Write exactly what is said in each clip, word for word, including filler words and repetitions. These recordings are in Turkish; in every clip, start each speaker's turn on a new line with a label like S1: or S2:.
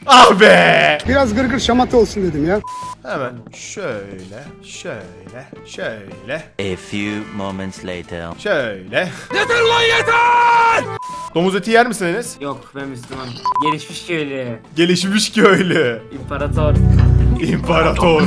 S1: Ah be!
S2: Biraz gırgır şamata olsun dedim ya.
S1: Hemen şöyle, şöyle, şöyle,
S3: A few moments later.
S1: şöyle. Yeter lan yeter! Domuz eti yer misin Enes?
S4: Yok, ben Müslümanım. Gelişmiş köylü.
S1: Gelişmiş köylü.
S4: İmparator.
S1: İmparator.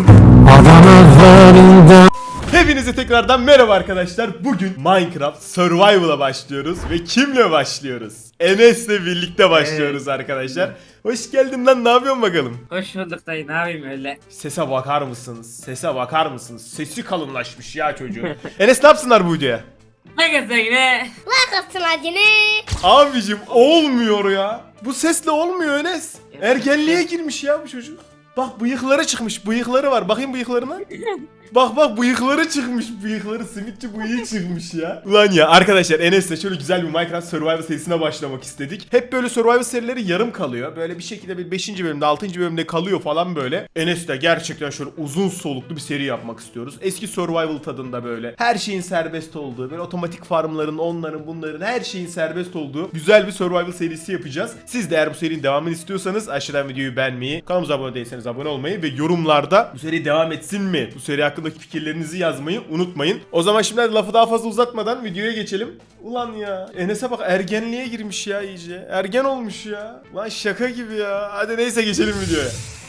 S1: Hepinize tekrardan merhaba arkadaşlar. Bugün Minecraft Survival'a başlıyoruz ve kimle başlıyoruz? Enes'le birlikte başlıyoruz arkadaşlar. Hoş geldin lan, ne yapıyorsun bakalım?
S4: Hoş bulduk dayı, ne yapayım öyle?
S1: Sese bakar mısınız? Sese bakar mısınız? Sesi kalınlaşmış ya çocuğun. Enes ne yapsınlar bu videoya?
S4: Ne gezer yine?
S5: Like atın acını.
S1: Abicim olmuyor ya. Bu sesle olmuyor Enes. Ergenliğe girmiş ya bu çocuk. Bak bıyıkları çıkmış, bıyıkları var. Bakayım bıyıklarına. Bak bak bıyıkları çıkmış, bıyıkları simitçi bıyığı çıkmış ya. Ulan ya arkadaşlar, Enes'le şöyle güzel bir Minecraft Survival serisine başlamak istedik. Hep böyle Survival serileri yarım kalıyor. Böyle bir şekilde bir beşinci bölümde altıncı bölümde kalıyor falan böyle. Enes'le gerçekten şöyle uzun soluklu bir seri yapmak istiyoruz. Eski Survival tadında böyle. Her şeyin serbest olduğu, böyle otomatik farmların, onların bunların her şeyin serbest olduğu güzel bir Survival serisi yapacağız. Siz de eğer bu serinin devamını istiyorsanız aşağıdan videoyu beğenmeyi, kanalımıza abone değilseniz abone olmayı ve yorumlarda bu seri devam etsin mi? Bu seri hakkındaki fikirlerinizi yazmayı unutmayın. O zaman şimdi lafı daha fazla uzatmadan videoya geçelim. Ulan ya Enes'e bak, ergenliğe girmiş ya iyice. Ergen olmuş ya. Lan şaka gibi ya. Hadi neyse geçelim videoya.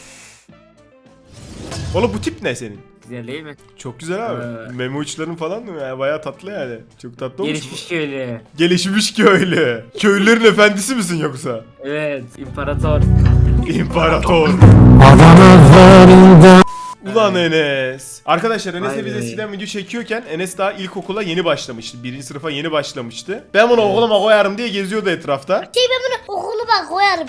S1: Oğlum bu tip ne senin?
S4: Güzel değil mi?
S1: Çok güzel abi.
S4: Ee.
S1: Meme uçların falan mı ya? Bayağı tatlı yani. Çok tatlı olmuş.
S4: Gelişmiş köylü.
S1: Gelişmiş köylü. Köylülerin efendisi misin yoksa?
S4: Evet, imparator.
S1: İmparator. Ulan Enes. Arkadaşlar Enes'le
S4: Vay
S1: biz
S4: be.
S1: eskiden video çekiyorken Enes daha ilkokula yeni başlamıştı. Birinci sınıfa yeni başlamıştı. Ben bunu okuluma koyarım diye geziyordu etrafta.
S5: Şey ben bunu okuluma koyarım.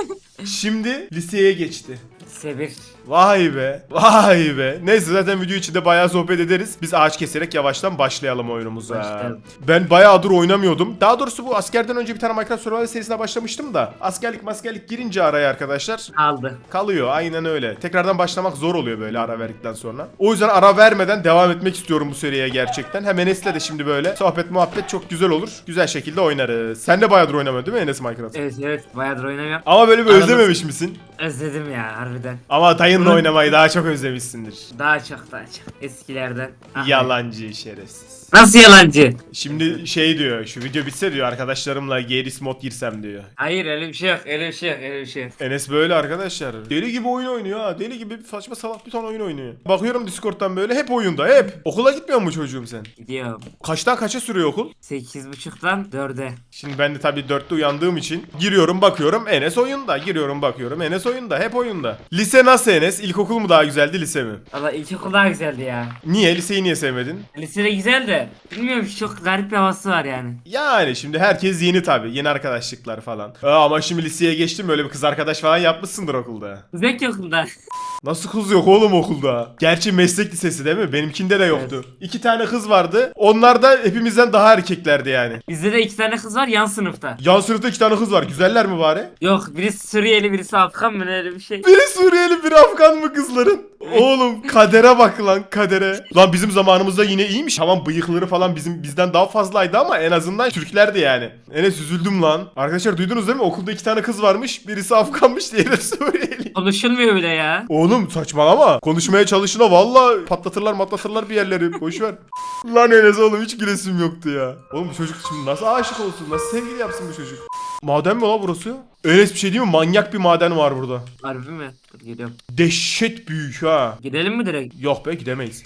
S1: Şimdi liseye geçti.
S4: Sebir.
S1: Vay be. Vay be. Neyse zaten video içinde bayağı sohbet ederiz. Biz ağaç keserek yavaştan başlayalım oyunumuza.
S4: Başlayalım.
S1: Ben bayağıdır oynamıyordum. Daha doğrusu bu askerden önce bir tane Minecraft Survival serisine başlamıştım da. Askerlik maskerlik girince araya arkadaşlar
S4: Aldı.
S1: kalıyor. Aynen öyle. Tekrardan başlamak zor oluyor böyle ara verdikten sonra. O yüzden ara vermeden devam etmek istiyorum bu seriye gerçekten. Hem Enes'le de şimdi böyle sohbet muhabbet çok güzel olur. Güzel şekilde oynarız. Sen de bayağıdır oynamıyorsun değil mi Enes Minecraft?
S4: Evet evet, bayağıdır oynamıyorum.
S1: Ama böyle bir
S4: Aramız-
S1: özlememiş misin?
S4: Özledim ya harbiden.
S1: Ama dayınla
S4: Hı.
S1: oynamayı daha çok özlemişsindir.
S4: Daha çok daha çok. Eskilerden. Ah,
S1: Yalancı şerefsiz.
S4: Nasıl yalancı?
S1: Şimdi şey diyor, şu video bitse diyor arkadaşlarımla Geris mod girsem diyor.
S4: Hayır, öyle bir şey yok, öyle bir şey yok, öyle bir şey yok.
S1: Enes böyle arkadaşlar. Deli gibi oyun oynuyor ha. Deli gibi bir saçma salak bir ton oyun oynuyor. Bakıyorum Discord'dan böyle hep oyunda hep. Okula gitmiyor mu çocuğum sen?
S4: Gidiyorum.
S1: Kaçtan kaça sürüyor okul?
S4: Sekiz buçuktan dörde.
S1: Şimdi ben de tabii dörtte uyandığım için giriyorum bakıyorum Enes oyunda. Giriyorum bakıyorum Enes oyunda. Hep oyunda. Lise nasıl Enes? İlkokul mu daha güzeldi, lise mi?
S4: Valla ilkokul daha güzeldi ya.
S1: Niye? Liseyi niye sevmedin?
S4: Lisede güzel de bilmiyorum, çok garip bir havası var yani.
S1: Yani şimdi herkes yeni tabii. Yeni arkadaşlıklar falan. Aa, ama şimdi liseye geçtim, böyle bir kız arkadaş falan yapmışsındır okulda.
S4: Güzel ki okulda.
S1: Nasıl kız yok oğlum okulda? Gerçi meslek lisesi değil mi? Benimkinde de yoktu. İki tane kız vardı. Onlar da hepimizden daha erkeklerdi yani.
S4: Bizde de iki tane kız var yan sınıfta.
S1: Yan sınıfta iki tane kız var. Güzeller mi bari?
S4: Yok, birisi Suriyeli birisi Afgan mı, öyle bir şey.
S1: Biri Suriyeli, biri Afgan mı kızların? Oğlum kadere bak lan, kadere. Lan bizim zamanımızda yine iyiymiş. Tamam bıyıkları falan bizim bizden daha fazlaydı ama en azından Türklerdi yani. Enes üzüldüm lan. Arkadaşlar duydunuz değil mi? Okulda iki tane kız varmış. Birisi Afganmış, diğeri de Suriyeli.
S4: Konuşulmuyor bile ya.
S1: Oğlum saçmalama. Konuşmaya çalışına valla patlatırlar matlatırlar bir yerleri. Boşver. Lan Enes oğlum hiç gülesim yoktu ya. Oğlum bu çocuk şimdi nasıl aşık olsun? Nasıl sevgili yapsın bu çocuk? Maden mi lan burası? Enes bir şey değil mi? Manyak bir maden var burada.
S4: Harbi mi? Dur geliyorum.
S1: Dehşet büyük ha.
S4: Gidelim mi direkt?
S1: Yok be, gidemeyiz.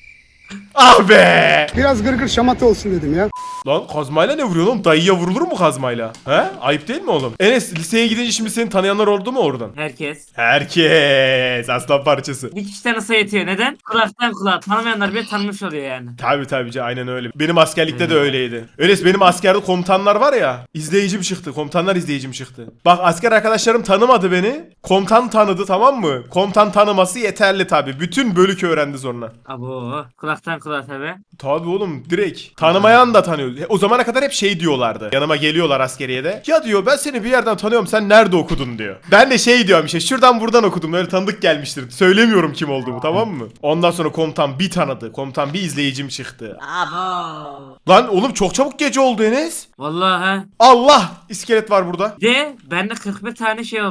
S1: Ah be!
S2: Biraz gırgır şamata olsun dedim ya.
S1: Lan kazmayla ne vuruyor oğlum? Dayıya vurulur mu kazmayla? He? Ayıp değil mi oğlum? Enes liseye gidince şimdi seni tanıyanlar oldu mu oradan?
S4: Herkes.
S1: Herkes aslan parçası.
S4: Bir kişi tanısa yetiyor. Neden? Kulaktan kulağa. Tanımayanlar bile tanımış oluyor yani.
S1: Tabi tabi aynen öyle. Benim askerlikte de öyleydi. Enes benim askerde komutanlar var ya. İzleyicim çıktı. Komutanlar izleyicim çıktı. Bak asker arkadaşlarım tanımadı beni. Komutan tanıdı, tamam mı? Komutan tanıması yeterli tabi. Bütün bölük öğrendi sonra.
S4: Abo. Kulaktan kulağa tabi.
S1: Tabi oğlum direkt. Tanımayan da tanıyor. O zamana kadar hep şey diyorlardı. Yanıma geliyorlar askeriyede. Ya diyor ben seni bir yerden tanıyorum, sen nerede okudun diyor. Ben de şey diyorum işte şuradan buradan okudum. Öyle tanıdık gelmiştir. Söylemiyorum kim olduğumu, tamam mı? Ondan sonra komutan bir tanıdı. Komutan bir izleyicim çıktı.
S4: Abo.
S1: Lan oğlum çok çabuk gece oldu Enes.
S4: Vallahi ha.
S1: Allah! İskelet var burada.
S4: Bir de bende kırk bir tane şey oldu.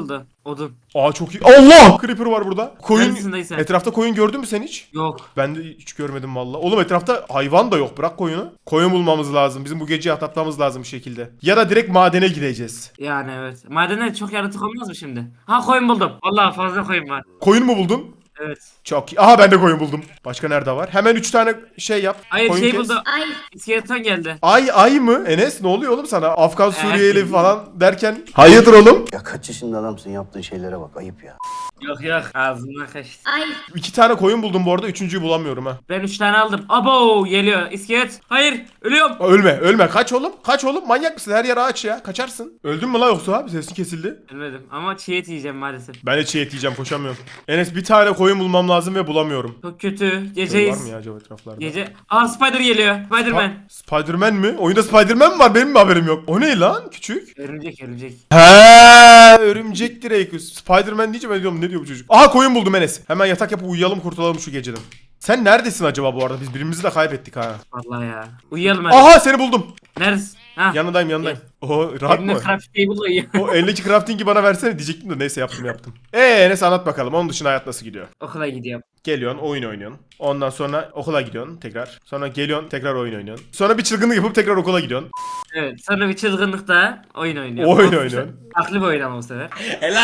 S4: Odun.
S1: Aa çok iyi. Allah! Creeper var burada. Koyun.
S4: Neredesin dayı sen?
S1: Etrafta koyun gördün mü sen hiç?
S4: Yok.
S1: Ben de hiç görmedim valla. Oğlum etrafta hayvan da yok. Bırak koyunu. Koyun bulmamız lazım. Bizim bu geceyi atlatmamız lazım bir şekilde. Ya da direkt madene gideceğiz.
S4: Yani evet. Madende çok yaratık olmaz mı şimdi? Ha koyun buldum. Vallahi fazla koyun var.
S1: Koyun mu buldun?
S4: Evet.
S1: Çok iyi. Aha ben de koyun buldum. Başka nerede var? Hemen üç tane şey yap.
S4: Hayır
S1: koyun
S4: şey
S1: kes.
S4: buldu.
S5: Ay.
S4: İskeleton geldi.
S1: Ay ay mı? Enes ne oluyor oğlum sana? Afgan Suriyeli
S4: Evet.
S1: falan derken. Hayırdır oğlum?
S6: Ya kaç yaşında adamsın, yaptığın şeylere bak, ayıp ya.
S4: Yok yok. Ağzımdan kaçtı.
S5: Ay.
S1: İki tane koyun buldum bu arada. Üçüncüyü bulamıyorum ha.
S4: Ben üç tane aldım. Abo geliyor. İskelet. Hayır. Ölüyorum.
S1: Aa, Ölme ölme. Kaç oğlum. Kaç oğlum. Manyak mısın? Her yer ağaç ya. Kaçarsın. Öldün mü la yoksa abi? Sesin kesildi.
S4: Ölmedim. Ama çiğ et yiyeceğim maalesef.
S1: Ben de çiğ et yiyeceğim. Koşamıyorum. Enes bir tane koyun bulmam lazım ve bulamıyorum.
S4: Çok kötü.
S1: Koyun var
S4: Geceyiz.
S1: mı ya acaba etraflarda?
S4: Gece. Aa Spider geliyor. Spiderman.
S1: Ha, Spiderman mi? Oyunda Spiderman mi var? Benim mi haberim yok? O ne lan? Küçük.
S4: Örümcek örümcek.
S1: He, örümcek direkt. Spiderman diyeceğim ben diyorum ne diyor bu çocuk? Aha koyun buldum Enes. Hemen yatak yapıp uyuyalım kurtulalım şu geceden. Sen neredesin acaba bu arada? Biz birbirimizi de kaybettik ha.
S4: Vallahi ya. Uyuyalım hadi.
S1: Aha seni buldum.
S4: Neredesin? Ha.
S1: Yanındayım yanındayım. Oho rahat
S4: Elimde
S1: mı?
S4: craft table uyuyor.
S1: O eldeki crafting'i bana versene diyecektim de neyse yaptım yaptım. Eee Enes anlat bakalım onun dışında hayat nasıl gidiyor?
S4: Okula gidiyorum.
S1: Geliyorsun oyun oynuyorsun. Ondan sonra okula gidiyorsun tekrar. Sonra geliyorsun tekrar oyun oynuyorsun. Sonra bir çılgınlık yapıp tekrar okula gidiyorsun.
S4: Evet. Sonra bir çılgınlıkta oyun oynuyorum.
S1: Oyun
S4: Of,
S1: oynuyorsun.
S4: Farklı bir oyun ama bu sefer.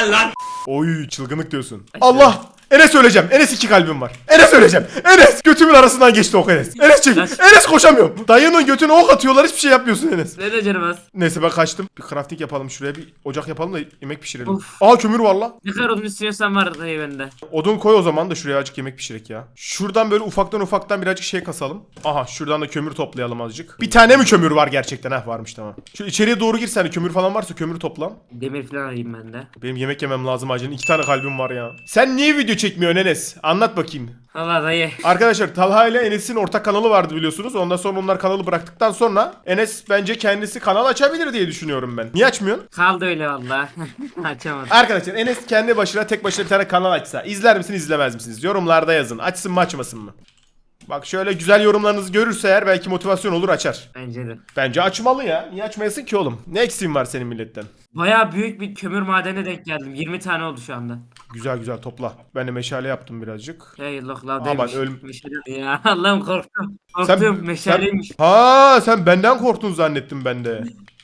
S1: Oy çılgınlık diyorsun. Allah! Enes öleceğim. Enes iki kalbim var. Enes öleceğim. Enes! Götümün arasından geçti ok Enes. Enes çek.
S4: Kaç.
S1: Enes koşamıyorum. Dayının götüne ok atıyorlar hiçbir şey yapmıyorsun Enes.
S4: Ne de canım az.
S1: Neyse ben kaçtım. Bir crafting yapalım şuraya bir ocak yapalım da yemek pişirelim.
S4: Of.
S1: Aa kömür var la.
S4: Ne kadar odun istiyorsan var dayı bende.
S1: Odun koy o zaman da şuraya azıcık yemek pişirek ya. Şuradan böyle ufaktan ufaktan birazcık şey kasalım. Aha şuradan da kömür toplayalım azıcık. Bir tane mi kömür var gerçekten? Heh varmış tamam. Şu içeriye doğru gir sen kömür falan varsa kömürü topla.
S4: Demir falan alayım ben de.
S1: Benim yemek yemem lazım acilen. İki tane kalbim var ya. Sen niye video çekmiyorsun Enes? Anlat bakayım.
S4: Valla dayı.
S1: Arkadaşlar Talha ile Enes'in ortak kanalı vardı biliyorsunuz. Ondan sonra onlar kanalı bıraktıktan sonra Enes bence kendisi kanal açabilir diye düşünüyorum ben. Niye açmıyorsun?
S4: Kaldı öyle valla. Açamadım.
S1: Arkadaşlar Enes kendi başına tek başına bir tane kanal açsa izler misiniz izlemez misiniz? Yorumlarda yazın. Açsın mı açmasın mı? Bak şöyle güzel yorumlarınızı görürse eğer belki motivasyon olur açar.
S4: Bence de.
S1: Bence açmalı ya. Niye açmayasın ki oğlum? Ne eksiğin var senin milletten?
S4: Baya büyük bir kömür madenine denk geldim. yirmi tane oldu şu anda.
S1: Güzel güzel topla. Ben de meşale yaptım birazcık.
S4: Hey Allah
S1: Aman
S4: lavdaymış.
S1: ölüm-
S4: Meşale. Ya Allah'ım korktum. Korktum meşaleymiş.
S1: Ha sen benden korktun zannettim ben de.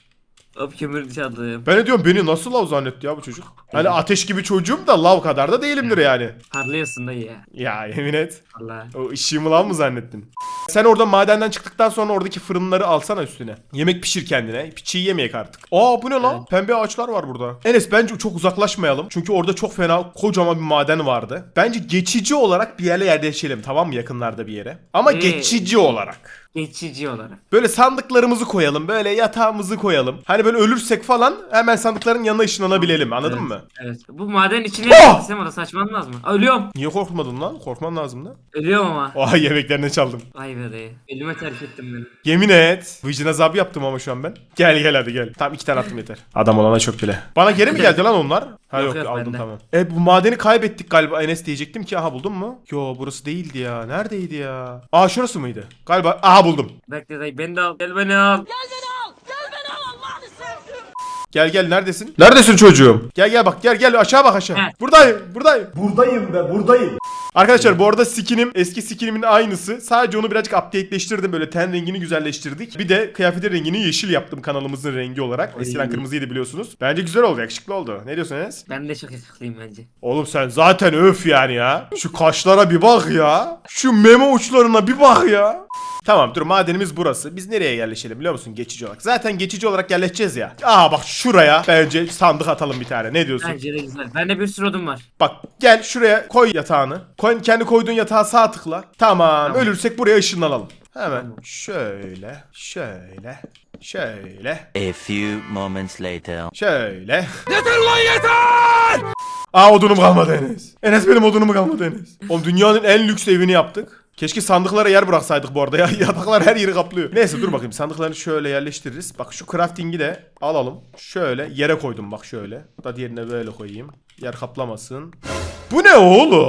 S4: Hop kömür çaldım.
S1: Ben de diyorum beni nasıl lav zannetti ya bu çocuk? Hani ateş gibi çocuğum da lav kadar da değilimdir yani.
S4: Parlıyorsun dayı ya.
S1: Ya yemin et.
S4: Valla.
S1: O ışığımı lav mı zannettin? Sen orada madenden çıktıktan sonra oradaki fırınları alsana üstüne. Yemek pişir kendine. Çiğ yemeyek artık. Aa bu ne lan?
S4: Evet.
S1: Pembe ağaçlar var burada. Enes bence çok uzaklaşmayalım. Çünkü orada çok fena kocaman bir maden vardı. Bence geçici olarak bir yere yerleşelim tamam mı? Yakınlarda bir yere. Ama
S4: Ee.
S1: geçici olarak.
S4: Geçici olarak.
S1: Böyle sandıklarımızı koyalım. Böyle yatağımızı koyalım. Hani böyle ölürsek falan hemen sandıkların yanına ışınlanabilelim. Anladın
S4: Evet.
S1: mı?
S4: Evet. Bu maden içine
S1: Oh!
S4: gitsem o da saçmalanmaz mı? Aa, ölüyorum.
S1: Niye korkmadın lan? Korkman lazım da.
S4: Ölüyorum ama.
S1: Oha yemeklerini çaldım.
S4: Vay be dayı. Elime terk ettim beni.
S1: Yemin et. Vicdan azabı yaptım ama şu an ben. Gel gel hadi gel. Tamam iki tane attım yeter. Adam olana çok bile. Bana geri mi geldi lan onlar? Ha yok,
S4: Yok, yok,
S1: aldım
S4: bende.
S1: tamam. E bu madeni kaybettik galiba Enes diyecektim ki aha buldun mu? Yo burası değildi ya. Neredeydi ya? Aa şurası mıydı? Galiba aha buldum.
S4: Bekle dayı beni de al. Gel beni al.
S1: Gel gel neredesin? Neredesin çocuğum? Gel gel bak gel gel aşağı bak aşağı.
S4: Heh.
S1: Buradayım buradayım. Buradayım be buradayım. Arkadaşlar bu arada skinim eski skinimin aynısı. Sadece onu birazcık updateleştirdim böyle ten rengini güzelleştirdik. Bir de kıyafetin rengini yeşil yaptım kanalımızın rengi olarak. Eskiden kırmızıydı biliyorsunuz. Bence güzel oldu yakışıklı oldu. Ne diyorsun Enes?
S4: Ben de çok yakışıklıyım bence.
S1: Oğlum sen zaten öf yani ya. Şu kaşlara bir bak ya. Şu meme uçlarına bir bak ya. Tamam dur madenimiz burası. Biz nereye yerleşelim biliyor musun geçici olarak? Zaten geçici olarak yerleşeceğiz ya. Aa bak şuraya bence sandık atalım bir tane. Ne diyorsun?
S4: Bence de güzel. Bende bir sürü odun var.
S1: Bak gel şuraya koy yatağını. Koy, kendi koyduğun yatağa sağ tıkla. Tamam,
S4: Tamam.
S1: ölürsek buraya ışınlanalım. Hemen şöyle şöyle şöyle
S3: A few moments later.
S1: şöyle. Yeter lan yeter! Aa odunum kalmadı Enes. Enes benim odunum kalmadı Enes. Oğlum dünyanın en lüks evini yaptık. Keşke sandıklara yer bıraksaydık bu arada ya. Yataklar her yeri kaplıyor. Neyse dur bakayım sandıklarını şöyle yerleştiririz. Bak şu crafting'i de alalım. Şöyle yere koydum bak şöyle. Da diğerine böyle koyayım. Yer kaplamasın. Bu ne oğlum?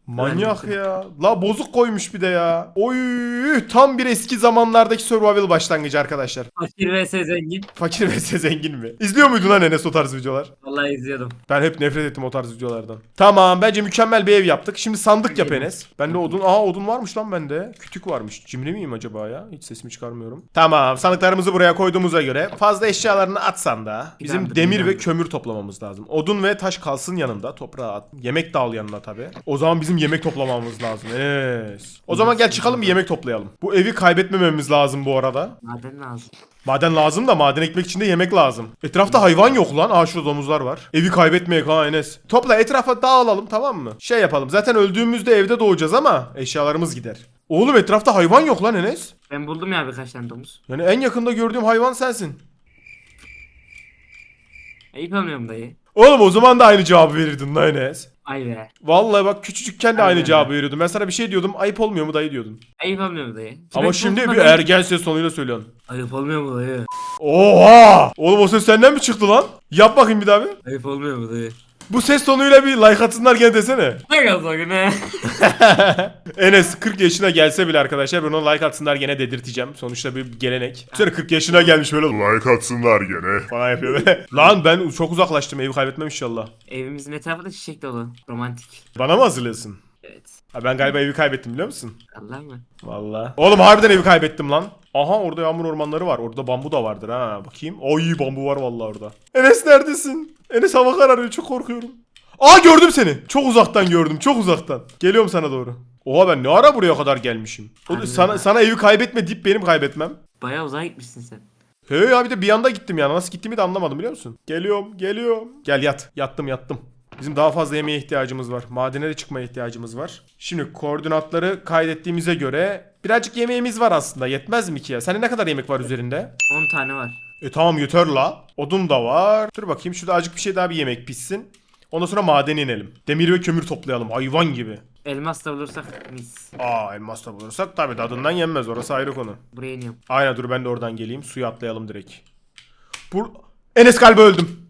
S1: Manyak ya. La bozuk koymuş bir de ya. Oy tam bir eski zamanlardaki survival başlangıcı arkadaşlar.
S4: Fakir vs zengin.
S1: Fakir ve zengin mi? İzliyor muydun lan Enes o tarz videolar?
S4: Vallahi izliyordum.
S1: Ben hep nefret ettim o tarz videolardan. Tamam bence mükemmel bir ev yaptık. Şimdi sandık yap Enes. Bende odun. Aa odun varmış lan bende. Kütük varmış. Cimri miyim acaba ya? Hiç sesimi çıkarmıyorum. Tamam sandıklarımızı buraya koyduğumuza göre fazla eşyalarını atsan da bizim
S4: Plandır,
S1: demir ve
S4: plandır.
S1: kömür toplamamız lazım. Odun ve taş kalsın yanında. Toprağa at. Yemek de al yanına tabi. O zaman bizim yemek toplamamız lazım. Enes. O zaman gel çıkalım bir yemek toplayalım. Bu evi kaybetmememiz lazım bu arada.
S4: Maden lazım.
S1: Maden lazım da maden ekmek için de yemek lazım. Etrafta hayvan yok lan. Aa şurada domuzlar var. Evi kaybetmeyek ha Enes. Topla etrafa dağılalım tamam mı? Şey yapalım. Zaten öldüğümüzde evde doğacağız ama eşyalarımız gider. Oğlum etrafta hayvan yok lan Enes.
S4: Ben buldum ya birkaç tane domuz.
S1: Yani en yakında gördüğüm hayvan sensin.
S4: Ayıp olmuyorum dayı.
S1: Oğlum o zaman da aynı cevabı verirdin lan Enes.
S4: Ay be.
S1: Vallahi bak küçücükken de aynı
S4: Aynen.
S1: cevabı veriyordum. Ben sana bir şey diyordum. Ayıp olmuyor mu dayı diyordun.
S4: Ayıp olmuyor dayı.
S1: Ama
S4: Ben
S1: şimdi
S4: buldum
S1: bir
S4: da dayı.
S1: ergen ses tonuyla söylüyorsun.
S4: Ayıp olmuyor mu dayı?
S1: Oha! Oğlum o ses senden mi çıktı lan? Yap bakayım bir daha bir.
S4: Ayıp olmuyor mu dayı?
S1: Bu ses tonuyla bir like atsınlar gene desene.
S4: Ne yazık ne?
S1: Enes kırk yaşına gelse bile arkadaşlar ben ona like atsınlar gene dedirteceğim. Sonuçta bir gelenek. Sonra kırk yaşına gelmiş böyle like atsınlar gene falan yapıyor böyle. Lan ben çok uzaklaştım evi kaybetmem inşallah.
S4: Evimizin etrafı da çiçek dolu. Romantik.
S1: Bana mı hazırlıyorsun?
S4: Evet.
S1: Ha ben galiba evi kaybettim biliyor musun?
S4: Allah mı?
S1: Vallahi. Oğlum harbiden evi kaybettim lan. Aha orada yağmur ormanları var. Orada bambu da vardır ha. Bakayım. Ay bambu var vallahi orada. Enes neredesin? Enes hava kararıyor çok korkuyorum. Aa gördüm seni. Çok uzaktan gördüm. Çok uzaktan. Geliyorum sana doğru. Oha ben ne ara buraya kadar gelmişim. O,
S4: Harbiden
S1: sana
S4: ha.
S1: sana evi kaybetme deyip benim kaybetmem.
S4: Bayağı uzağa gitmişsin sen.
S1: He ya bir de bir anda gittim yani. Nasıl gittiğimi de anlamadım biliyor musun? Geliyorum, geliyorum. Gel yat. Yattım, yattım. Bizim daha fazla yemeğe ihtiyacımız var. Madene de çıkmaya ihtiyacımız var. Şimdi koordinatları kaydettiğimize göre birazcık yemeğimiz var aslında. Yetmez mi ki ya? Senin ne kadar yemek var üzerinde?
S4: on tane var.
S1: E tamam yeter la. Odun da var. Dur bakayım şurada azıcık bir şey daha bir yemek pişsin. Ondan sonra madene inelim. Demir ve kömür toplayalım hayvan gibi.
S4: Elmas da bulursak mis.
S1: Aa elmas da bulursak tabii tadından yenmez orası ayrı konu.
S4: Buraya iniyorum.
S1: Aynen dur ben de oradan geleyim. Suya atlayalım direkt. Bur Enes galiba öldüm.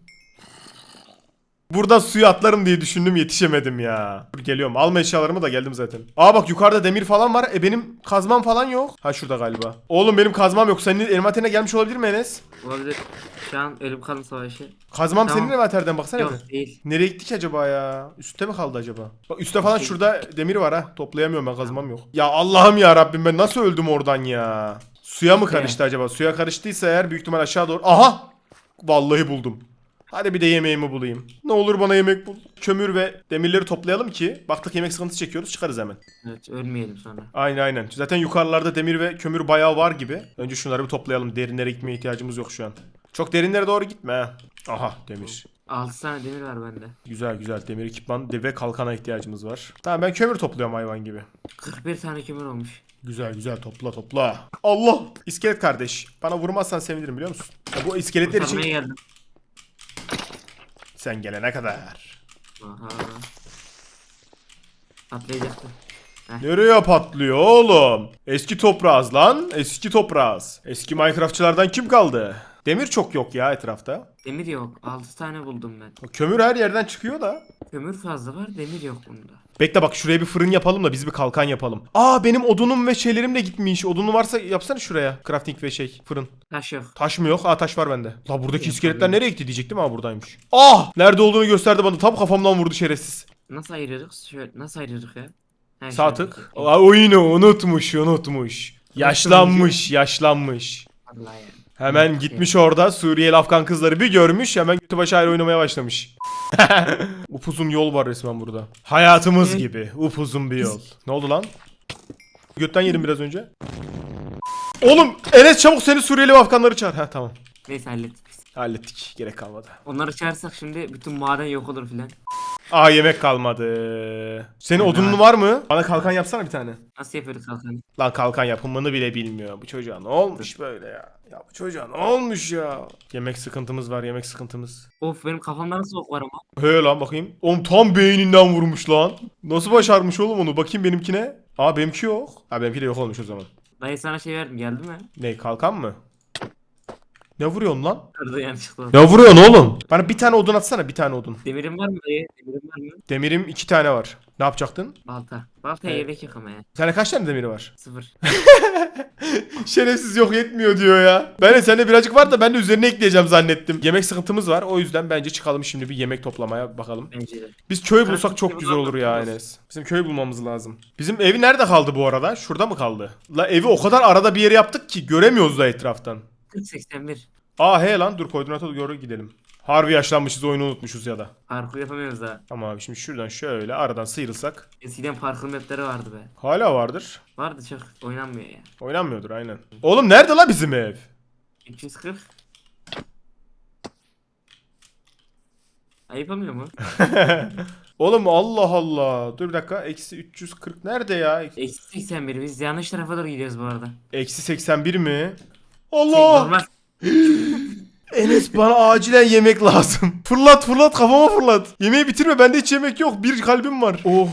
S1: Buradan suya atlarım diye düşündüm yetişemedim ya. Dur geliyorum. Alma eşyalarımı da geldim zaten. Aa bak yukarıda demir falan var. E benim kazmam falan yok. Ha şurada galiba. Oğlum benim kazmam yok. Senin envanterine gelmiş olabilir mi Enes?
S4: Olabilir. Şu an ölüm kalım savaşı.
S1: Kazmam
S4: Tamam.
S1: senin envanterden baksana
S4: Yok
S1: bir.
S4: değil.
S1: Nereye gittik acaba ya? Üstte mi kaldı acaba? Bak üstte falan şurada demir var ha. Toplayamıyorum ben kazmam yok. Ya Allah'ım ya Rabbim ben nasıl öldüm oradan ya? Suya mı karıştı acaba? Suya karıştıysa eğer büyük ihtimal aşağı doğru. Aha! Vallahi buldum. Hadi bir de yemeğimi bulayım. Ne olur bana yemek bul. Kömür ve demirleri toplayalım ki baktık yemek sıkıntısı çekiyoruz çıkarız hemen.
S4: Evet ölmeyelim sonra.
S1: Aynen aynen. Zaten yukarılarda demir ve kömür bayağı var gibi. Önce şunları bir toplayalım. Derinlere gitmeye ihtiyacımız yok şu an. Çok derinlere doğru gitme ha. Aha demir.
S4: altı tane demir var bende.
S1: Güzel güzel demir ekipman ve kalkana ihtiyacımız var. Tamam ben kömür topluyorum hayvan gibi.
S4: kırk bir tane kömür olmuş.
S1: Güzel güzel topla topla. Allah! İskelet kardeş. Bana vurmazsan sevinirim biliyor musun? Ya bu iskeletler için
S4: Kurtarmaya geldim.
S1: sen gelene kadar.
S4: Aha. Atlayacaktım.
S1: Nereye patlıyor oğlum? Eski toprağız lan. Eski toprağız. Eski Minecraftçılardan kim kaldı? Demir çok yok ya etrafta.
S4: Demir yok. altı tane buldum ben.
S1: Kömür her yerden çıkıyor da.
S4: Kömür fazla var, demir yok bunda.
S1: Bekle bak şuraya bir fırın yapalım da biz bir kalkan yapalım. Aa benim odunum ve şeylerim de gitmiş. Odunu varsa yapsana şuraya. Crafting ve şey fırın.
S4: Taş yok.
S1: Taş mı yok? Aa taş var bende. La buradaki iskeletler nereye gitti diyecektim ama buradaymış. Ah! Nerede olduğunu gösterdi bana. Tam kafamdan vurdu şerefsiz.
S4: Nasıl ayırırız? Şöyle nasıl ayırırız ya? Ha,
S1: Sağ
S4: şöyle.
S1: tık. Aa, oyunu unutmuş unutmuş. Yaşlanmış yaşlanmış.
S4: Vallahi ya.
S1: Hemen gitmiş orada Suriyeli Afgan kızları bir görmüş hemen götü başı ayrı oynamaya başlamış. Upuzun yol var resmen burada. Hayatımız
S4: Evet.
S1: gibi upuzun bir yol. Ne oldu lan? Götten yedim biraz önce. Oğlum Enes çabuk seni Suriyeli Afganları çağır. Ha tamam.
S4: Neyse hallettik biz.
S1: Hallettik gerek kalmadı.
S4: Onları çağırsak şimdi bütün maden yok olur filan.
S1: Aa yemek kalmadı. Senin
S4: Ben
S1: odunun
S4: de-
S1: var mı? Bana kalkan yapsana bir tane.
S4: Nasıl yapıyorduk kalkanı?
S1: Lan kalkan yapımını bile bilmiyor. Bu çocuğa ne olmuş böyle ya? Ya bu çocuğa ne olmuş ya? Yemek sıkıntımız var yemek sıkıntımız.
S4: Of benim kafamda nasıl ok var ama.
S1: He lan bakayım. Oğlum tam beyninden vurmuş lan. Nasıl başarmış oğlum onu? Bakayım benimkine. Aa benimki yok. Ha benimki de yok olmuş o zaman.
S4: Dayı sana şey verdim geldi mi?
S1: Ne kalkan mı? Ne vuruyorsun lan?
S4: Kırdı yanlışlıkla.
S1: Ne vuruyorsun oğlum? Bana bir tane odun atsana, bir tane odun.
S4: Demirin var mı dayı? Demirin var mı?
S1: Demirim iki tane var. Ne yapacaktın?
S4: Balta. Baltaya
S1: Evet.
S4: gerek yok ama ya.
S1: Sende kaç tane demiri var?
S4: Sıfır.
S1: Şerefsiz yok yetmiyor diyor ya. Ben de sende birazcık var da ben de üzerine ekleyeceğim zannettim. Yemek sıkıntımız var. O yüzden bence çıkalım şimdi bir yemek toplamaya bakalım.
S4: Bence de.
S1: Biz köy
S4: Ben
S1: bulsak çok
S4: köy
S1: güzel olur ya
S4: bulamam.
S1: Enes. Bizim köy bulmamız lazım. Bizim evi nerede kaldı bu arada? Şurada mı kaldı? La evi o kadar arada bir yere yaptık ki göremiyoruz da etraftan.
S4: kırk seksen bir.
S1: Aa he lan dur koordinata doğru gidelim. Harbi yaşlanmışız, oyunu unutmuşuz ya da.
S4: Parkur yapamıyoruz daha.
S1: Ama abi şimdi şuradan şöyle aradan sıyrılsak.
S4: Eskiden parkur mapleri vardı be.
S1: Hala vardır.
S4: Vardı çok oynanmıyor ya.
S1: Oynanmıyordur aynen. Oğlum nerede la bizim ev?
S4: üç yüz kırk. Ayıpamıyor mu?
S1: Oğlum Allah Allah. Dur bir dakika. Eksi üç yüz kırk nerede ya?
S4: Eksi seksen bir. Biz yanlış tarafa doğru gidiyoruz bu arada.
S1: Eksi seksen bir mi?
S4: Şey,
S1: Allah!
S4: normal.
S1: Enes bana acilen yemek lazım. Fırlat fırlat kafama fırlat. Yemeği bitirme, bende hiç yemek yok. Bir kalbim var. Oh.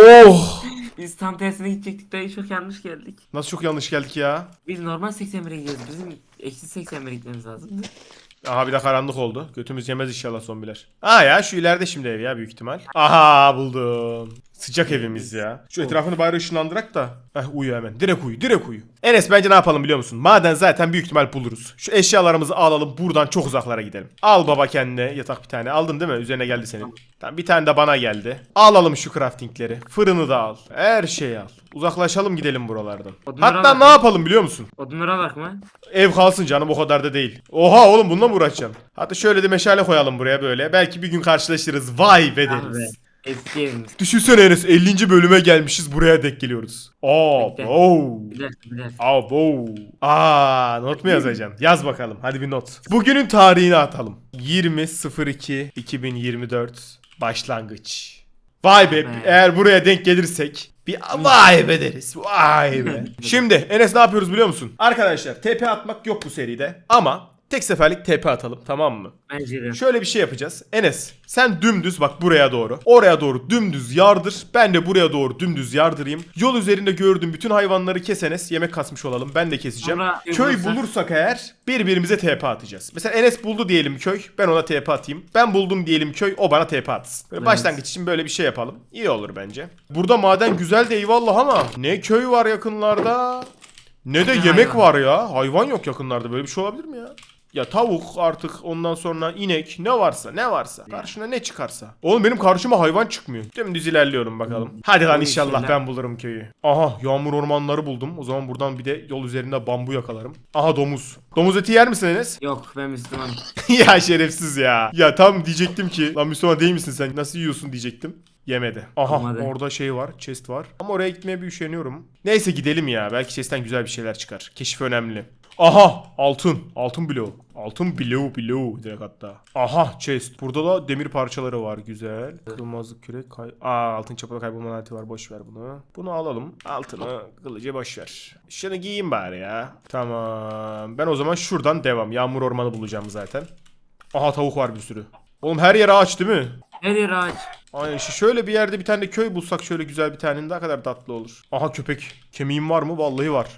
S1: Oh.
S4: Biz tam tersine gidecektik dayı, çok yanlış geldik.
S1: Nasıl çok yanlış geldik ya.
S4: Biz normal seksen bire gidiyoruz. Bizim eksi seksen bire gitmemiz lazımdı.
S1: Aha bir de karanlık oldu. Götümüz yemez inşallah zombiler. Aa ya şu ileride şimdi ev ya büyük ihtimal. Aha buldum. Sıcak evimiz ya. Şu etrafını bari ışınlandırak da. Heh uyu hemen. Direkt uyu direkt uyu. Enes bence ne yapalım biliyor musun? Maden zaten büyük ihtimal buluruz. Şu eşyalarımızı alalım buradan çok uzaklara gidelim. Al baba kendine yatak bir tane. Aldın değil mi? Üzerine geldi senin. Tamam bir tane de bana geldi. Alalım şu craftingleri. Fırını da al. Her şeyi al. Uzaklaşalım gidelim buralardan.
S4: Odunları
S1: Hatta
S4: al
S1: ne
S4: bakayım.
S1: yapalım biliyor musun?
S4: Odunlara bak mı?
S1: Ev kalsın canım o kadar da değil. Oha oğlum bununla mı uğraşacağım? Hatta şöyle de meşale koyalım buraya böyle. Belki bir gün karşılaşırız. Vay be
S4: Ah be.
S1: deriz.
S4: Eski evimiz.
S1: Düşünsene Enes ellinci bölüme gelmişiz buraya denk geliyoruz. Aa,
S4: Bekle.
S1: wow.
S4: Bir dakika bir dakika.
S1: Aa, wow. Aa, not mu yazacağım? Yaz bakalım. Hadi bir not. Bugünün tarihini atalım. yirmi iki iki bin yirmi dört başlangıç. Vay be,
S4: Be.
S1: eğer buraya denk gelirsek bir vay be deriz. Vay be. Şimdi Enes ne yapıyoruz biliyor musun? Arkadaşlar T P atmak yok bu seride ama tek seferlik T P atalım, tamam mı?
S4: Bence de.
S1: Şöyle bir şey yapacağız. Enes sen dümdüz bak buraya doğru. Oraya doğru dümdüz yardır. Ben de buraya doğru dümdüz yardırayım. Yol üzerinde gördüğüm bütün hayvanları kes Enes. Yemek kasmış olalım. Ben de keseceğim.
S4: Sonra
S1: Köy
S4: bulursak-
S1: bulursak eğer birbirimize T P atacağız. Mesela Enes buldu diyelim köy. Ben ona T P atayım. Ben buldum diyelim köy. O bana T P atsın. Böyle
S4: Evet.
S1: başlangıç için böyle bir şey yapalım. İyi olur bence. Burada maden güzel de eyvallah ama ne köy var yakınlarda ne de
S4: Ne
S1: yemek
S4: hayvan?
S1: var ya. Hayvan yok yakınlarda. Böyle bir şey olabilir mi ya? Ya tavuk artık ondan sonra inek ne varsa ne varsa karşına ne çıkarsa. Oğlum benim karşıma hayvan çıkmıyor. Dümdüz ilerliyorum bakalım. Hadi lan
S4: O
S1: inşallah
S4: işler-
S1: ben bulurum köyü. Aha yağmur ormanları buldum. O zaman buradan bir de yol üzerinde bambu yakalarım. Aha domuz. Domuz eti yer misin Enes?
S4: Yok ben Müslümanım.
S1: Ya şerefsiz ya. Ya tam diyecektim ki lan Müslüman değil misin sen nasıl yiyorsun diyecektim. Yemedi. Aha
S4: Olmadı.
S1: orada şey var, chest var. Ama oraya gitmeye bir üşeniyorum. Neyse gidelim ya. Belki chest'ten güzel bir şeyler çıkar. Keşif önemli. Aha altın. Altın bloğu. Altın bloğu bloğu direkt hatta. Aha chest. Burada da demir parçaları var. Güzel. Kırılmazlık kürek. Kay Aa altın çapada kaybolma laneti var. Boş ver bunu. Bunu alalım. Altını kılıcı boş ver. Şunu giyeyim bari ya. Tamam. Ben o zaman şuradan devam. Yağmur ormanı bulacağım zaten. Aha tavuk var bir sürü. Oğlum her yer ağaç değil mi?
S4: Her yer ağaç.
S1: Aynen işte şöyle bir yerde bir tane de köy bulsak şöyle güzel bir tane ne kadar tatlı olur. Aha köpek. Kemiğim var mı? Vallahi var.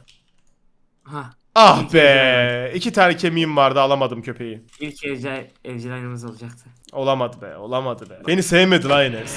S4: Ha.
S1: Ah
S4: İlk
S1: be.
S4: evcil
S1: İki tane kemiğim vardı alamadım köpeği.
S4: İlk evcil, evcil aynamız olacaktı.
S1: Olamadı be. Olamadı be. Beni sevmedi lan Enes.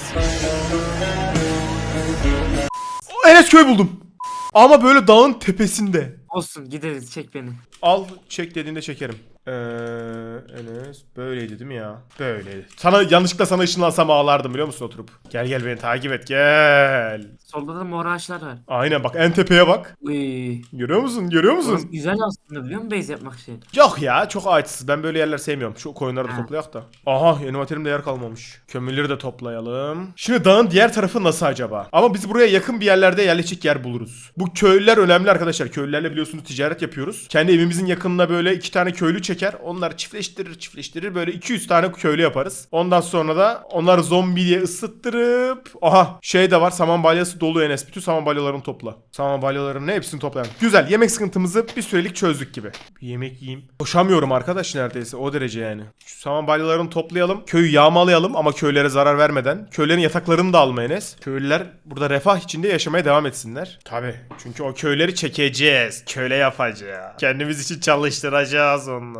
S1: Enes köy buldum. Ama böyle dağın tepesinde.
S4: Olsun gideriz, çek beni.
S1: Al çek dediğinde çekerim. Eee Enes böyleydi değil mi ya? Böyleydi. Sana yanlışlıkla sana ışınlansam ağlardım biliyor musun oturup? Gel gel beni takip et gel.
S4: Solda da mor ağaçlar var.
S1: Aynen bak en tepeye bak.
S4: Uy.
S1: Görüyor musun? Görüyor
S4: Burası
S1: musun?
S4: güzel aslında biliyor musun base yapmak için?
S1: Yok ya çok ağaçsız. Ben böyle yerler sevmiyorum. Şu koyunları da
S4: Ha.
S1: toplayak da. Aha envanterimde yer kalmamış. Kömürleri de toplayalım. Şimdi dağın diğer tarafı nasıl acaba? Ama biz buraya yakın bir yerlerde yerleşik yer buluruz. Bu köylüler önemli arkadaşlar. Köylülerle biliyorsunuz ticaret yapıyoruz. Kendi evimizin yakınına böyle iki tane köylü çeker. Onlar çiftleştirir çiftleştirir. Böyle iki yüz tane köylü yaparız. Ondan sonra da onları zombi diye ısıttırıp. Aha şey de var. Saman balyası dolu Enes. Bütün saman balyalarını topla. Saman balyalarının hepsini toplayalım. Güzel. Yemek sıkıntımızı bir sürelik çözdük gibi. Bir yemek yiyeyim. Koşamıyorum arkadaş neredeyse. O derece yani. Şu saman balyalarını toplayalım. Köyü yağmalayalım ama köylere zarar vermeden. Köylerin yataklarını da alma Enes. Köylüler burada refah içinde yaşamaya devam etsinler. Tabi. Çünkü o köyleri çekeceğiz. Köle yapacağız. Kendimiz için çalıştıracağız onları.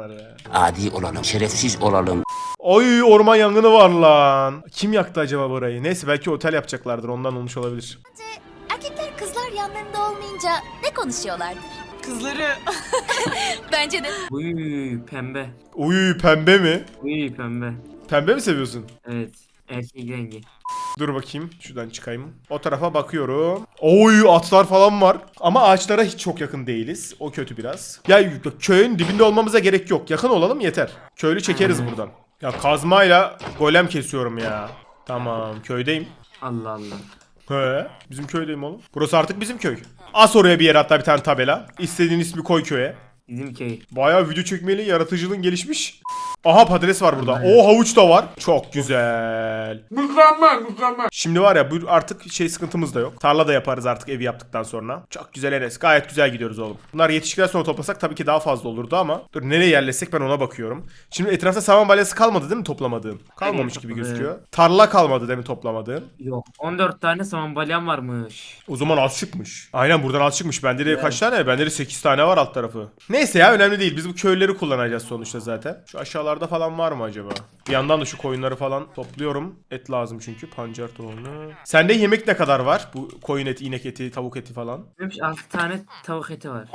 S1: insanlar ya.
S7: Adi olalım, şerefsiz olalım.
S1: Oy orman yangını var lan. Kim yaktı acaba burayı? Neyse belki otel yapacaklardır ondan olmuş olabilir.
S8: Erkekler kızlar yanlarında olmayınca ne konuşuyorlardır?
S9: Kızları.
S8: Bence de.
S4: Uy pembe.
S1: Uy pembe mi?
S4: Uy pembe.
S1: Pembe mi seviyorsun?
S4: Evet. Erkek rengi.
S1: Dur bakayım şuradan çıkayım. O tarafa bakıyorum. Oy atlar falan var. Ama ağaçlara hiç çok yakın değiliz. O kötü biraz. Ya köyün dibinde olmamıza gerek yok. Yakın olalım yeter. Köylü çekeriz
S4: Hmm.
S1: buradan. Ya kazmayla golem kesiyorum ya. Tamam köydeyim.
S4: Allah Allah.
S1: He, bizim köydeyim oğlum. Burası artık bizim köy. As oraya bir yere hatta bir tane tabela. İstediğin ismi koy köye.
S4: Bizim köy.
S1: Bayağı video çekmeli, yaratıcılığın gelişmiş. Aha patates var burada. O havuç da var. Çok güzel.
S4: Mükemmel mükemmel.
S1: Şimdi var ya bu artık şey sıkıntımız da yok. Tarla da yaparız artık evi yaptıktan sonra. Çok güzel Enes. Gayet güzel gidiyoruz oğlum. Bunlar yetişkiler sonra toplasak tabii ki daha fazla olurdu ama. Dur nereye yerleşsek ben ona bakıyorum. Şimdi etrafta saman balyası kalmadı değil mi toplamadığın? Kalmamış gibi gözüküyor. Tarla kalmadı değil mi toplamadığın?
S4: Yok. on dört tane saman balyam varmış.
S1: O zaman az çıkmış. Aynen buradan az çıkmış. Bende de kaç tane? Bende de sekiz tane var alt tarafı. Neyse ya önemli değil. Biz bu köyleri kullanacağız sonuçta zaten. Şu aşağılarda falan var mı acaba? Bir yandan da şu koyunları falan topluyorum. Et lazım çünkü. Pancar tohumu. Sende yemek ne kadar var? Bu koyun eti, inek eti, tavuk eti falan.
S4: Benim altı tane tavuk eti var.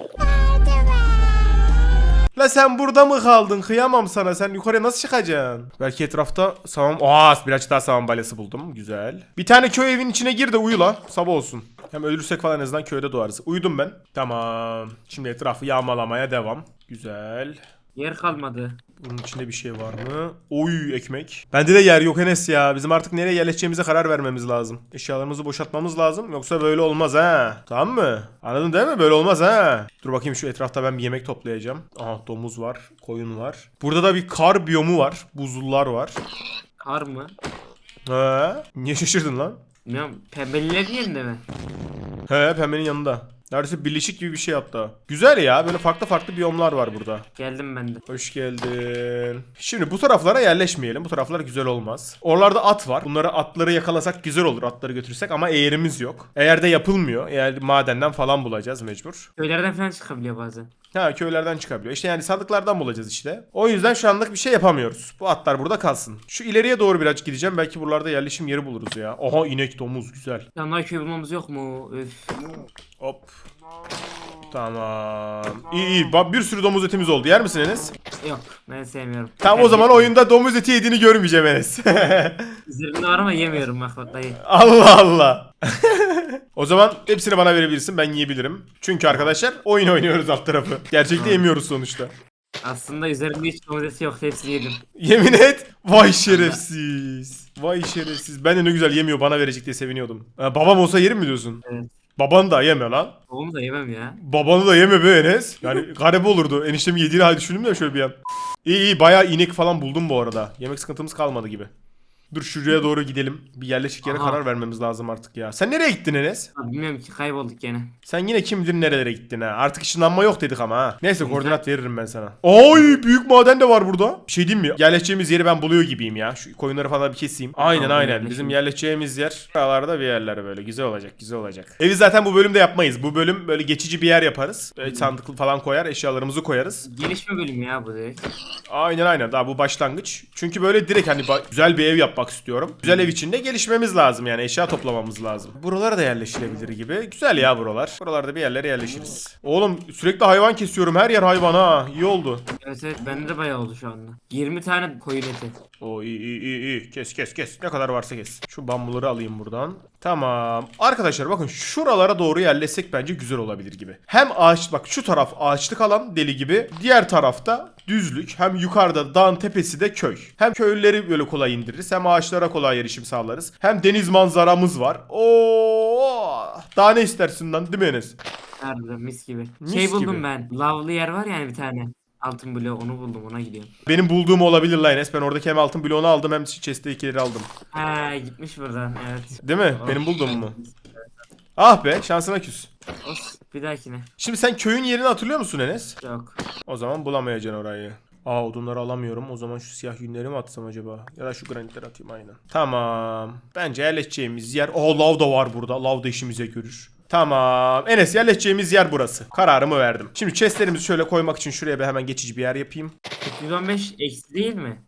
S1: La sen burada mı kaldın? Kıyamam sana. Sen yukarıya nasıl çıkacaksın? Belki etrafta saman... Aa birazcık daha saman balyası buldum. Güzel. Bir tane köy evin içine gir de uyu la. Sabah olsun. Hem ölürsek falan en azından köyde doğarız. Uyudum ben. Tamam. Şimdi etrafı yağmalamaya devam. Güzel.
S4: Yer kalmadı.
S1: Bunun içinde bir şey var mı? Oy ekmek. Bende de yer yok Enes ya. Bizim artık nereye yerleşeceğimize karar vermemiz lazım. Eşyalarımızı boşaltmamız lazım. Yoksa böyle olmaz ha. Tamam mı? Anladın değil mi? Böyle olmaz ha. Dur bakayım şu etrafta ben bir yemek toplayacağım. Aha domuz var. Koyun var. Burada da bir kar biyomu var. Buzullar var.
S4: Kar mı?
S1: He. Niye şaşırdın lan?
S4: Bilmiyorum. Pembelilerin yerinde mi?
S1: He pembenin yanında. Neredeyse birleşik gibi bir şey hatta. Güzel ya. Böyle farklı farklı biyomlar var burada.
S4: Geldim ben de.
S1: Hoş geldin. Şimdi bu taraflara yerleşmeyelim. Bu taraflar güzel olmaz. Oralarda at var. Bunları atları yakalasak güzel olur. Atları götürsek ama eğerimiz yok. Eğer de yapılmıyor. Eğer madenden falan bulacağız mecbur.
S4: Köylerden falan çıkabiliyor bazen.
S1: Ha köylerden çıkabiliyor. İşte yani sandıklardan bulacağız işte. O yüzden şu anlık bir şey yapamıyoruz. Bu atlar burada kalsın. Şu ileriye doğru birazcık gideceğim. Belki buralarda yerleşim yeri buluruz ya. Oha inek domuz güzel.
S4: Yanlar köy bulmamız yok mu? Öf.
S1: Hop. Tamam. İyi iyi. Bak bir sürü domuz etimiz oldu. Yer misin Enes?
S4: Yok. Ben sevmiyorum.
S1: Tamam o zaman oyunda domuz eti yediğini görmeyeceğim Enes.
S4: Üzerinde var ama yemiyorum bak bak dayı.
S1: Allah Allah. O zaman hepsini bana verebilirsin. Ben yiyebilirim. Çünkü arkadaşlar oyun oynuyoruz alt tarafı. Gerçekte yemiyoruz sonuçta.
S4: Aslında üzerinde hiç domatesi yok. Hepsini yedim.
S1: Yemin et. Vay şerefsiz. Vay şerefsiz. Ben de ne güzel yemiyor bana verecek diye seviniyordum. Ha, babam olsa yerim mi diyorsun?
S4: Evet.
S1: Baban da yeme lan.
S4: Oğlum da yemem ya.
S1: Babanı da yeme be Enes. Yani garip olurdu. Eniştemi yediğini hal düşündüm de şöyle bir an. İyi iyi bayağı inek falan buldum bu arada. Yemek sıkıntımız kalmadı gibi. Dur şuraya doğru gidelim. Bir yerleşik yere
S4: Aha.
S1: karar vermemiz lazım artık ya. Sen nereye gittin Enes?
S4: Abi bilmiyorum ki kaybolduk gene.
S1: Sen yine kim bilir nerelere gittin ha. Artık ışınlanma yok dedik ama ha. Neyse koordinat veririm ben sana. Oy büyük maden de var burada. Bir şey diyeyim mi? Yerleşeceğimiz yeri ben buluyor gibiyim ya. Şu koyunları falan bir keseyim. Aynen
S4: Tamam,
S1: aynen.
S4: yerleşelim.
S1: Bizim yerleşeceğimiz yer buralarda bir yerler böyle. Güzel olacak güzel olacak. Evi zaten bu bölümde yapmayız. Bu bölüm böyle geçici bir yer yaparız. Böyle sandıklı falan koyar eşyalarımızı koyarız.
S4: Gelişme bölümü ya bu direkt.
S1: Aynen aynen daha bu başlangıç. Çünkü böyle direkt hani ba- güzel bir ev yapmak istiyorum. Güzel ev içinde gelişmemiz lazım yani eşya toplamamız lazım. Buralara da yerleşilebilir gibi. Güzel ya buralar. Buralarda bir yerlere yerleşiriz. Oğlum sürekli hayvan kesiyorum her yer hayvan ha. İyi oldu.
S4: Evet evet bende de bayağı oldu şu anda. yirmi tane koyun eti.
S1: O iyi iyi iyi iyi. Kes kes kes. Ne kadar varsa kes. Şu bambuları alayım buradan. Tamam. Arkadaşlar bakın şuralara doğru yerleşsek bence güzel olabilir gibi. Hem ağaç bak şu taraf ağaçlık alan deli gibi. Diğer tarafta düzlük. Hem yukarıda dağın tepesi de köy. Hem köylüleri böyle kolay indiririz. Hem ağaçlara kolay erişim sağlarız. Hem deniz manzaramız var. Oo! Daha ne istersin lan değil mi Enes?
S4: Nerede mis gibi.
S1: Mis
S4: şey buldum
S1: gibi.
S4: ben. Lavlı yer var yani bir tane. Altın bloğu onu buldum ona gidiyorum.
S1: Benim bulduğum olabilir lan Enes. Ben oradaki hem altın bloğunu aldım hem chest'tekileri aldım.
S4: Ha gitmiş buradan evet.
S1: Değil mi? Benim bulduğum mu? Ah be şansına küs.
S4: Olsun, bir dahakine.
S1: Şimdi sen köyün yerini hatırlıyor musun Enes?
S4: Yok.
S1: O zaman bulamayacaksın orayı. Aa odunları alamıyorum. O zaman şu siyah yünleri mi atsam acaba? Ya da şu granitleri atayım aynen. Tamam. Bence yerleşeceğimiz yer. Aa lav da var burada. Lav da işimize görür. Tamam. Enes yerleşeceğimiz yer burası. Kararımı verdim. Şimdi chestlerimizi şöyle koymak için şuraya bir hemen geçici bir yer yapayım.
S4: üç yüz on beş eksi değil mi?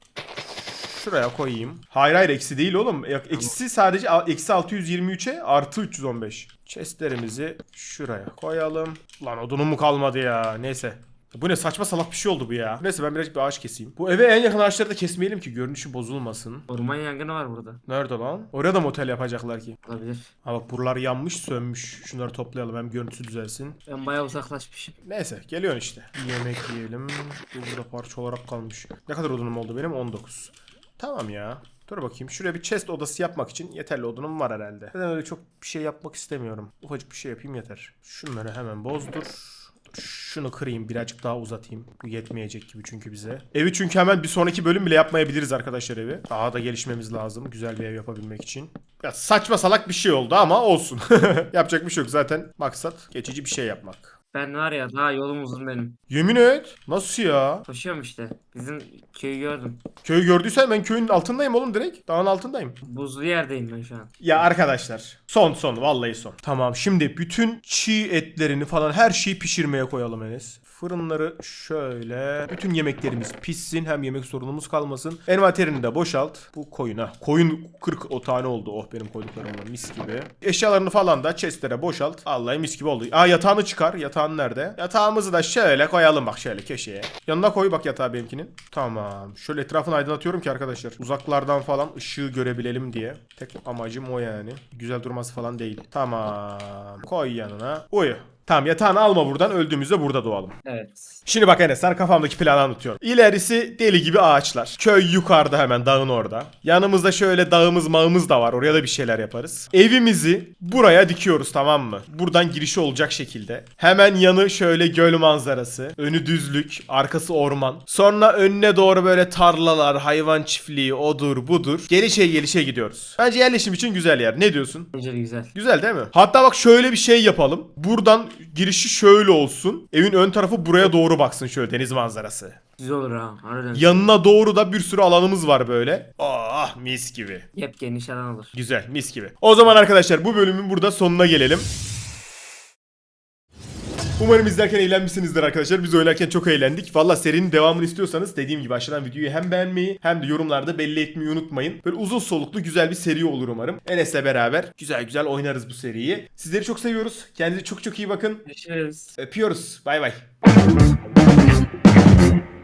S1: Şuraya koyayım. Hayır hayır eksi değil oğlum. Yok, eksi sadece a- eksi altı yüz yirmi üçe artı üç yüz on beş. Chestlerimizi şuraya koyalım. Lan odunum mu kalmadı ya. Neyse. Bu ne saçma salak bir şey oldu bu ya. Neyse ben birazcık bir ağaç keseyim. Bu eve en yakın ağaçları da kesmeyelim ki görünüşü bozulmasın.
S4: Orman yangını var burada.
S1: Nerede lan? Oraya da motel yapacaklar ki.
S4: Olabilir.
S1: Ha bak buralar yanmış sönmüş. Şunları toplayalım hem görüntüsü düzelsin.
S4: Ben bayağı uzaklaşmışım.
S1: Neyse geliyorsun işte. Bir yemek yiyelim. Bu burada parça olarak kalmış. Ne kadar odunum oldu benim? on dokuz. Tamam ya. Dur bakayım. Şuraya bir chest odası yapmak için yeterli odunum var herhalde. Ben öyle çok bir şey yapmak istemiyorum. Ufacık bir şey yapayım yeter. Şunları hemen bozdur. Şunu kırayım birazcık daha uzatayım. Bu yetmeyecek gibi çünkü bize. Evi çünkü hemen bir sonraki bölüm bile yapmayabiliriz arkadaşlar evi. Daha da gelişmemiz lazım güzel bir ev yapabilmek için. Ya saçma salak bir şey oldu ama olsun. Yapacak bir şey yok zaten. Maksat geçici bir şey yapmak.
S4: Ben var ya daha yolum uzun benim.
S1: Yemin et. Nasıl ya?
S4: Koşuyorum işte. Bizim köyü gördüm.
S1: Köyü gördüysen ben köyün altındayım oğlum direkt. Dağın altındayım.
S4: Buzlu yerdeyim ben şu an.
S1: Ya arkadaşlar son son vallahi son. Tamam şimdi bütün çiğ etlerini falan her şeyi pişirmeye koyalım Enes. Fırınları şöyle. Bütün yemeklerimiz pişsin. Hem yemek sorunumuz kalmasın. Envanterini de boşalt. Bu koyuna. Koyun kırk o tane oldu. Oh benim koyduklarımla mis gibi. Eşyalarını falan da chestlere boşalt. Vallahi mis gibi oldu. Aa yatağını çıkar. Yatağın nerede? Yatağımızı da şöyle koyalım bak şöyle köşeye. Yanına koy bak yatağı benimkinin. Tamam. Şöyle etrafını aydınlatıyorum ki arkadaşlar. Uzaklardan falan ışığı görebilelim diye. Tek amacım o yani. Güzel durması falan değil. Tamam. Koy yanına. Uyu. Tamam yatağını alma buradan öldüğümüzde burada doğalım.
S4: Evet.
S1: Şimdi bak Enes sana kafamdaki planı anlatıyorum. İlerisi deli gibi ağaçlar. Köy yukarıda hemen dağın orada. Yanımızda şöyle dağımız mağımız da var. Oraya da bir şeyler yaparız. Evimizi buraya dikiyoruz tamam mı? Buradan girişi olacak şekilde. Hemen yanı şöyle göl manzarası. Önü düzlük. Arkası orman. Sonra önüne doğru böyle tarlalar, hayvan çiftliği, odur budur. Gelişe gelişe gidiyoruz. Bence yerleşim için güzel yer. Ne diyorsun?
S4: Güzel güzel.
S1: Güzel değil mi? Hatta bak şöyle bir şey yapalım. Buradan girişi şöyle olsun. Evin ön tarafı buraya doğru baksın şöyle deniz manzarası.
S4: Güzel olur ha. Harbiden.
S1: Yanına doğru da bir sürü alanımız var böyle. Ah mis gibi.
S4: Yep geniş alan olur.
S1: Güzel mis gibi. O zaman arkadaşlar bu bölümün burada sonuna gelelim. Umarım izlerken eğlenmişsinizdir arkadaşlar. Biz oynarken çok eğlendik. Valla serinin devamını istiyorsanız dediğim gibi aşağıdan videoyu hem beğenmeyi hem de yorumlarda belli etmeyi unutmayın. Böyle uzun soluklu güzel bir seri olur umarım. Enes'le beraber güzel güzel oynarız bu seriyi. Sizleri çok seviyoruz. Kendinize çok çok iyi bakın.
S4: Görüşürüz.
S1: Öpüyoruz. Bay bay.